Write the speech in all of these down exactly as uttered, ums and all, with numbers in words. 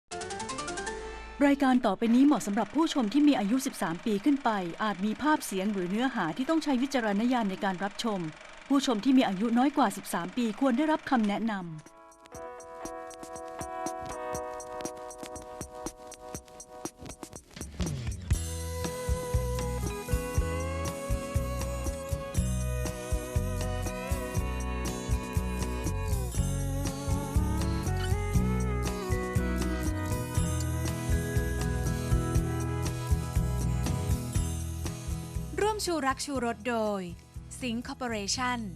รายการต่อไปนี้เหมาะสำหรับผู้ชมที่มีอายุ สิบสาม ปีขึ้นไป อาจมีภาพเสียงหรือเนื้อหาที่ต้องใช้วิจารณญาณในการรับชม ผู้ชมที่มีอายุน้อยกว่า สิบสาม ปีควรได้รับคำแนะนำร่วมชูรักชูรสโดยสิงห์คอร์ปอเรชั่น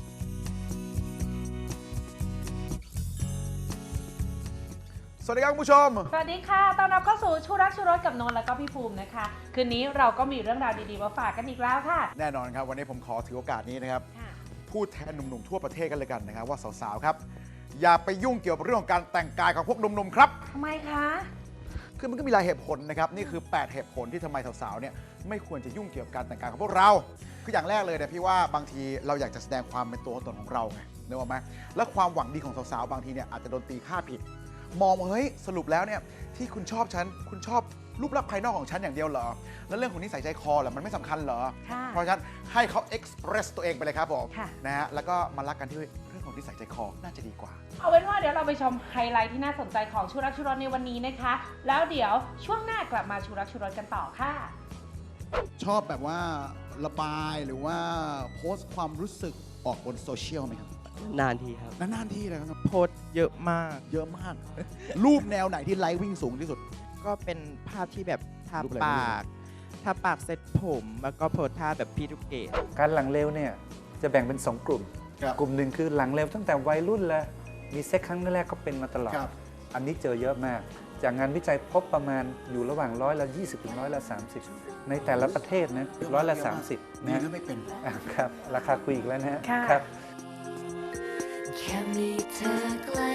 สวัสดีครับคุณผู้ชมสวัสดีค่ะต้อนรับเข้าสู่ชูรักชูรสกับนนท์และก็พี่ภูมินะคะคืนนี้เราก็มีเรื่องราวดีๆมาฝากกันอีกแล้วค่ะแน่นอนครับวันนี้ผมขอถือโอกาสนี้นะครับพูดแทนหนุ่มๆทั่วประเทศกันเลยกันนะครับว่าสาวๆครับอย่าไปยุ่งเกี่ยวกับเรื่องของการแต่งกายของพวกหนุ่มๆครับทำไมคะคือมันก็มีหลายเหตุผลนะครับนี่คือแปดเหตุผลที่ทำไมสาวๆเนี่ยไม่ควรจะยุ่งเกี่ยวกับการแต่งกายของพวกเราคืออย่างแรกเลยเนี่ยพี่ว่าบางทีเราอยากจะแสดงความเป็นตัวตนของเราไงนึกออกไหมและความหวังดีของสาวๆบางทีเนี่ยอาจจะโดนตีค่าผิดมองว่าเฮ้ยสรุปแล้วเนี่ยที่คุณชอบฉันคุณชอบรูปลักษณ์ภายนอกของฉันอย่างเดียวเหรอแล้วเรื่องของนิสัยใจคอเหรอมันไม่สำคัญเหรอเพราะฉะนั้นให้เขาเอ็กซ์เพรสตัวเองไปเลยครับผมนะฮะแล้วก็มารักกันที่เรื่องของนิสัยใจคอน่าจะดีกว่าเอาเป็นว่าเดี๋ยวเราไปชมไฮไลท์ที่น่าสนใจของชูรักชูรสในวันนี้นะคะแล้วเดี๋ยวช่วงหน้ากลับมาชูรักชูรสกันต่อค่ะชอบแบบว่าระบายหรือว่าโพสต์ความรู้สึกออกบนโซเชียลไหมครับนานทีครับนานๆทีเลยครับโพสต์เยอะมากเยอะมาก รูปแนวไหนที่ไลค์วิ่งสูงที่สุดก็เป็นภาพที่แบบทารูปอะไรปากทาปากเซ็ตผมแล้วก็โพสท่าแบบพี่ทุกเกตการหลังเร็วเนี่ยจะแบ่งเป็นสองกลุ่มกลุ่มหนึ่งคือหลังเร็วตั้งแต่วัยรุ่นเลยมีเซ็กครั้งแรกก็เป็นมาตลอดอันนี้เจอเยอะมากจากงานวิจัยพบประมาณอยู่ระหว่างร้อยละยี่สิบถึงร้อยละสามสิบในแต่ละประเทศนะร้อยละสามสิบดีนะนะไม่เป็นครับราคาคุยอีกแล้วนะฮะค่ะครับแค่มีเธอใกล้